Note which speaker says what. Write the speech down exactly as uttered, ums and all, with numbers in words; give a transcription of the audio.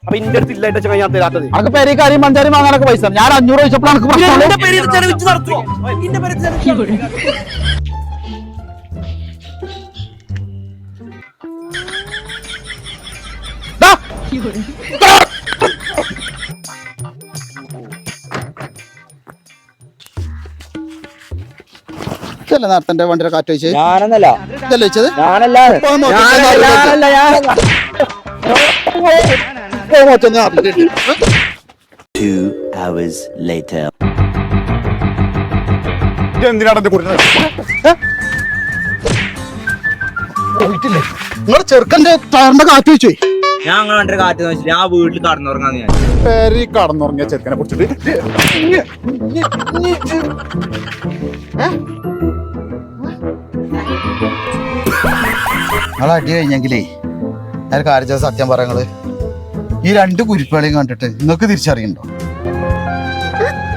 Speaker 1: അപ്പൊ ഇന്റെ അടുത്ത് ഇല്ലായിട്ട് ചങ്ങ ഞാൻ തരാത്തത്.
Speaker 2: അനക്ക് പേര് കറിയും പഞ്ചാരി വാങ്ങാനൊക്കെ പൈസ ഞാൻ അഞ്ഞൂറ് ചോദിച്ചപ്പോൾ അനക്ക്
Speaker 1: ഇന്റെ പേര് ചെലവിച്ച് നടത്തുവോ? ഇന്റെ പേര്
Speaker 2: ഇതല്ലേ നേരത്തെ വണ്ടിയുടെ കാറ്റ് വെച്ച്
Speaker 3: ഞാനെന്നല്ല
Speaker 2: ഇതല്ലേ വെച്ചത്
Speaker 3: ഞാനല്ല ഞാനല്ല ഞാനല്ല
Speaker 4: Two hours later.
Speaker 5: എന്തിനാണ് എന്റെ കൊടുക്കുന്നത്?
Speaker 2: നിങ്ങളെ ചെറുക്കന്റെ ടയറിന്റെ കാറ്റ് വെച്ചു
Speaker 3: ഞാൻ അങ്ങനെ കണ്ട കാറ്റ് വെച്ചിട്ട് ആ വീട്ടിൽ കടന്നുറങ്ങാന്ന് ഞാൻ
Speaker 5: പേര് കടന്നുറങ്ങിയ ചെറുക്കനെ കുറിച്ചിട്ട്
Speaker 2: നിങ്ങൾ അടി കഴിഞ്ഞെങ്കിലേ ഞാൻ കാര്യം സത്യം പറയങ്ങള് ഈ രണ്ട് കുരിപ്പുകളെയും കണ്ടിട്ട് നിങ്ങൾക്ക് തിരിച്ചറിയണ്ടോ?